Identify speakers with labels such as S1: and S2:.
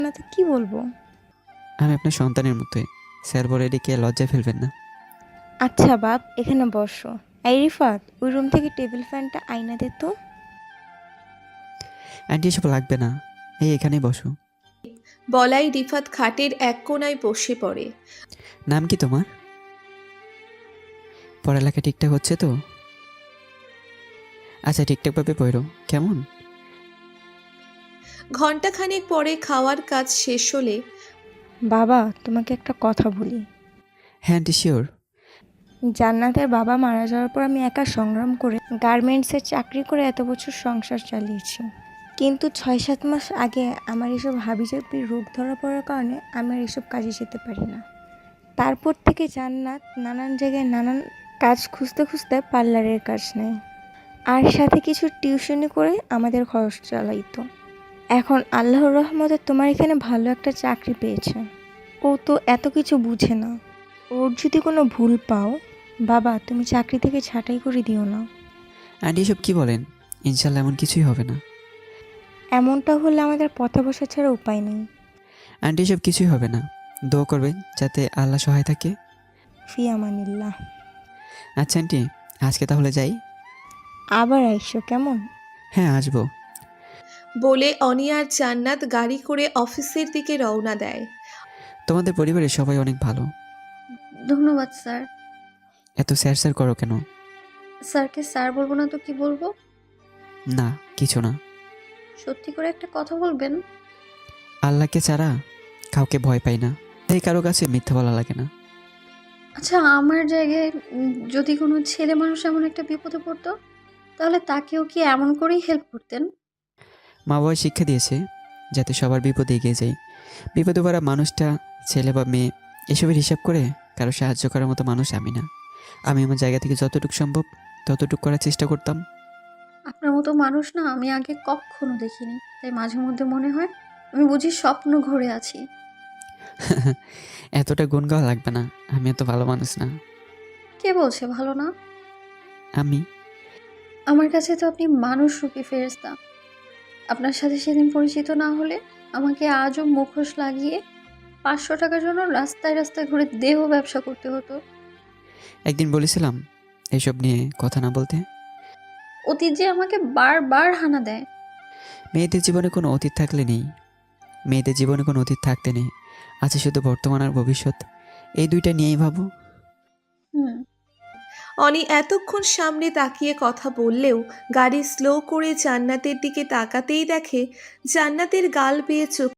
S1: না তো কি বলবো?
S2: আমি আপনার সন্তানের মতোই। স্যার বলে ডেকে লজ্জায় ফেলবেন না।
S1: আচ্ছা বাপ, এখানে বসো। এই রিফাত, ওই রুম থেকে টেবিল ফ্যানটা আইনা দে তো।
S2: আন্টি এসব লাগবে না, এই এখানেই বসো।
S3: বলাই রিফাত খাটের এক কোণায় বসে পড়ে।
S2: নাম কি তোমার? পড়ালেখা ঠিকঠাক হচ্ছে তো? আচ্ছা, ঠিকঠাকভাবে পড়ো কেমন?
S3: ঘণ্টাখানেক পরে খাওয়ার কাজ শেষ হলে
S1: বাবা, তোমাকে একটা কথা বলি।
S2: হ্যাঁ আন্টি, শিওর।
S1: জান্নাতের বাবা মারা যাওয়ার পর আমি একা সংগ্রাম করে গার্মেন্টসের চাকরি করে এত বছর সংসার চালিয়েছি। কিন্তু 6-7 মাস আগে আমার এসব হাবিজাবির রোগ ধরা পড়ার কারণে আমি আর এসব কাজে যেতে পারি না। তারপর থেকে জান্নাত নানান জায়গায় নানান কাজ খুঁজতে খুঁজতে পার্লারের কাজ নেয়, আর সাথে কিছু টিউশনি করে আমাদের খরচ চালাইতো। এখন আল্লাহর রহমতে তোমার এখানে ভালো একটা চাকরি পেয়েছে। ও তো এত কিছু বুঝে না। ওর যদি কোনো ভুল পাও, বাবা তুমি চাকরি থেকে ছাঁটাই করে দিও না।
S2: আন্টি এসব কি বলেন? ইনশাল্লাহ এমন কিছুই হবে না।
S1: এমনটা হলে আমাদের পথে বসা ছাড়া উপায় নেই।
S2: আন্টি এসব কিছুই হবে না। দোয়া করবেন যাতে আল্লাহ সহায় থাকে।
S1: ফি আমানিল্লাহ।
S2: আচ্ছা আন্টি, আজকে তাহলে যাই।
S1: আবার আইসো কেমন?
S2: হ্যাঁ আসবো।
S3: বলে অনি আর জান্নাত গাড়ি করে অফিসের দিকে রওনা দেয়।
S2: তোমাদের পরিবারের সবাই অনেক ভালো।
S4: ধন্যবাদ স্যার।
S2: এত স্যার স্যার করো কেন?
S4: স্যারকে স্যার বলবো না তো কি বলবো?
S2: না, কিছু না।
S4: সত্যি করে একটা কথা বলবেন?
S2: আল্লাহকে ছাড়া কাউকে ভয় পাই না, তাই কারো কাছে মিথ্যা বলা লাগে না।
S4: আচ্ছা, আমার জায়গায় যদি কোনো ছেলে মানুষ এমন একটা বিপদে পড়তো, তাহলে তাকেও কি এমন করেই হেল্প করতেন?
S2: মা বাবা শিক্ষা দিয়েছে যাতে সবার বিপদে এগিয়ে যায়। বিপদে পড়া মানুষটা ছেলে বা মেয়ে এসবের হিসাব করে কারো সাহায্য করার মতো মানুষ আমি না। আমি আমার জায়গা থেকে যতটুকু সম্ভব ততটুকু করার চেষ্টা করতাম।
S4: আপনার মতো মানুষ না আমি আগে কখনো দেখিনি, তাই মাঝে মধ্যে মনে হয় আমি বুঝি স্বপ্ন ঘরে আছি।
S2: এতটা গুণ গাওয়া লাগবে না, আমি এত ভালো মানুষ না।
S4: কে বলছে ভালো না?
S2: আমি
S4: আমার কাছে তো আপনি মানুষ রূপী ফেরেশতা। আপনার সাথে সেদিন পরিচিত না হলে আমাকে আজও মুখোশ লাগিয়ে 500 টাকার জন্য রাস্তায় রাস্তায় ঘুরে দেহ ব্যবসা করতে হতো।
S2: একদিন বলেছিলাম এইসব নিয়ে কথা না বলতে।
S4: অতীত যে আমাকে বারবার হানা দেয়।
S2: মেয়েদের জীবনে কোনো অতীত থাকলে নেই, মেয়েদের জীবনে কোনো অতীত থাকতে নেই, আছে শুধু বর্তমান আর ভবিষ্যৎ। এই দুইটা নিয়েই ভাবো।
S4: হুম।
S3: অনি এতক্ষণ সামনে তাকিয়ে কথা বললেও গাড়ি স্লো করে জান্নাতের দিকে তাকাতেই দেখে জান্নাতের গাল বেয়ে চোখ